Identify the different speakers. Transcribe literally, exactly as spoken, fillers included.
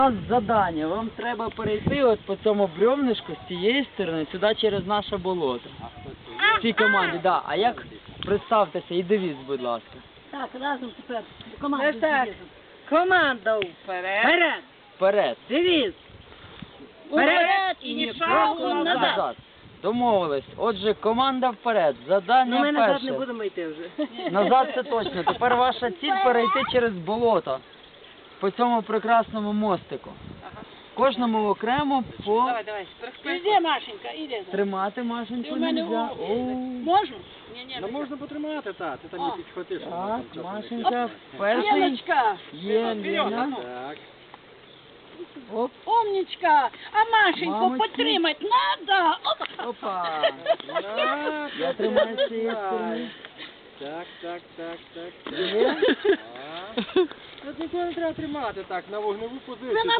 Speaker 1: У нас завдання. Вам треба перейти от по цьому бревнишку з цієї сторони, сюди через наше болото. В цій команді, так. Да. А як представтеся і дивіться, будь ласка.
Speaker 2: Так, разом тепер. Команда.
Speaker 3: Так. Команда вперед.
Speaker 2: Вперед.
Speaker 1: Вперед.
Speaker 2: Девіз.
Speaker 3: Вперед і ні шагу назад.
Speaker 1: Назад. Домовились. Отже, команда вперед. Завдання
Speaker 2: Ну ми назад
Speaker 1: перше.
Speaker 2: не будемо йти вже.
Speaker 1: Назад це точно. Тепер ваша ціль перейти через болото по цьому прекрасному мостику. Кожному окремо по
Speaker 3: Давай, давай. Іди, Машенька, іди.
Speaker 1: тримати Машеньку
Speaker 3: У мене
Speaker 1: нельзя.
Speaker 3: у-
Speaker 1: Оу.
Speaker 3: Можна? Ні, ні.
Speaker 4: Ну можна потримати, так, ти там
Speaker 3: О.
Speaker 4: не підхватиш.
Speaker 1: Так, Машенька, перший.
Speaker 3: Леночка,
Speaker 1: Є, Лена.
Speaker 4: Так.
Speaker 1: Оп,
Speaker 3: умничка. А Машеньку
Speaker 1: Мамочки.
Speaker 3: потримати надо. Опа.
Speaker 1: опа.
Speaker 4: Так,
Speaker 1: Я тримаю з цієї сторони.
Speaker 4: Так, так, так, так.
Speaker 1: Є.
Speaker 4: Так. Тут нікого не треба тримати так, на вогневу позицію.